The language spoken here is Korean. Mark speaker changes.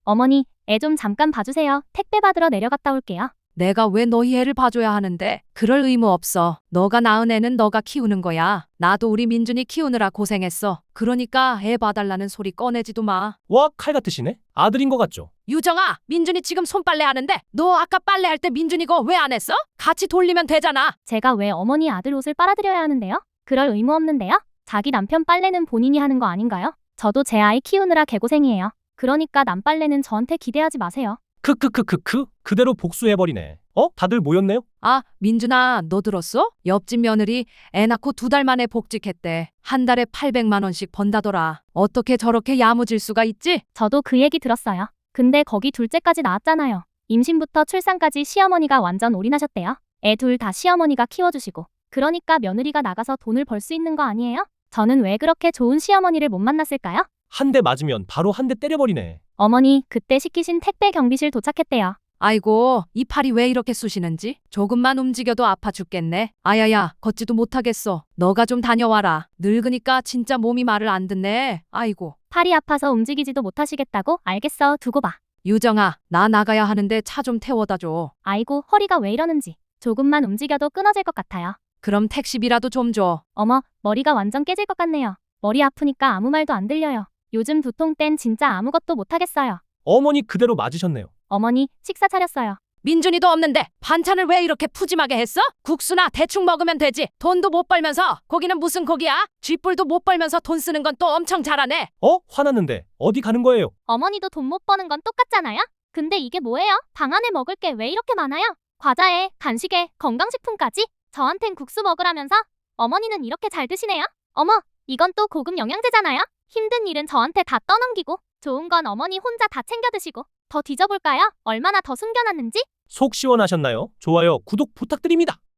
Speaker 1: 어머니, 애 좀 잠깐 봐주세요. 택배 받으러 내려갔다 올게요.
Speaker 2: 내가 왜 너희 애를 봐줘야 하는데? 그럴 의무 없어. 너가 낳은 애는 너가 키우는 거야. 나도 우리 민준이 키우느라 고생했어. 그러니까 애 봐달라는 소리 꺼내지도 마.
Speaker 3: 와, 칼 같으시네? 아들인 것 같죠?
Speaker 2: 유정아, 민준이 지금 손빨래 하는데 너 아까 빨래할 때 민준이 거 왜 안 했어? 같이 돌리면 되잖아.
Speaker 1: 제가 왜 어머니 아들 옷을 빨아드려야 하는데요? 그럴 의무 없는데요? 자기 남편 빨래는 본인이 하는 거 아닌가요? 저도 제 아이 키우느라 개고생이에요. 그러니까 남 빨래는 저한테 기대하지 마세요.
Speaker 3: 크크크크크, 그대로 복수해버리네. 다들 모였네요?
Speaker 2: 아, 민준아, 너 들었어? 옆집 며느리 애 낳고 2달 만에 복직했대. 한 달에 800만 원씩 번다더라. 어떻게 저렇게 야무질 수가 있지?
Speaker 1: 저도 그 얘기 들었어요. 근데 거기 둘째까지 낳았잖아요. 임신부터 출산까지 시어머니가 완전 올인하셨대요. 애 둘 다 시어머니가 키워주시고. 그러니까 며느리가 나가서 돈을 벌 수 있는 거 아니에요? 저는 왜 그렇게 좋은 시어머니를 못 만났을까요?
Speaker 3: 한 대 맞으면 바로 한 대 때려버리네.
Speaker 1: 어머니, 그때 시키신 택배 경비실 도착했대요.
Speaker 2: 아이고, 이 팔이 왜 이렇게 쑤시는지? 조금만 움직여도 아파 죽겠네. 아야야, 걷지도 못하겠어. 너가 좀 다녀와라. 늙으니까 진짜 몸이 말을 안 듣네. 아이고.
Speaker 1: 팔이 아파서 움직이지도 못하시겠다고? 알겠어, 두고 봐.
Speaker 2: 유정아, 나 나가야 하는데 차 좀 태워다 줘.
Speaker 1: 아이고, 허리가 왜 이러는지. 조금만 움직여도 끊어질 것 같아요.
Speaker 2: 그럼 택시비라도 좀 줘.
Speaker 1: 어머, 머리가 완전 깨질 것 같네요. 머리 아프니까 아무 말도 안 들려요. 요즘 두통 땐 진짜 아무것도 못하겠어요.
Speaker 3: 어머니 그대로 맞으셨네요.
Speaker 1: 어머니, 식사 차렸어요.
Speaker 2: 민준이도 없는데 반찬을 왜 이렇게 푸짐하게 했어? 국수나 대충 먹으면 되지. 돈도 못 벌면서. 고기는 무슨 고기야? 쥐뿔도 못 벌면서 돈 쓰는 건 또 엄청 잘하네.
Speaker 3: 화났는데 어디 가는 거예요?
Speaker 1: 어머니도 돈 못 버는 건 똑같잖아요? 근데 이게 뭐예요? 방 안에 먹을 게 왜 이렇게 많아요? 과자에, 간식에, 건강식품까지? 저한텐 국수 먹으라면서? 어머니는 이렇게 잘 드시네요? 어머, 이건 또 고급 영양제잖아요? 힘든 일은 저한테 다 떠넘기고 좋은 건 어머니 혼자 다 챙겨 드시고 더 뒤져볼까요? 얼마나 더 숨겨놨는지?
Speaker 3: 속 시원하셨나요? 좋아요, 구독 부탁드립니다.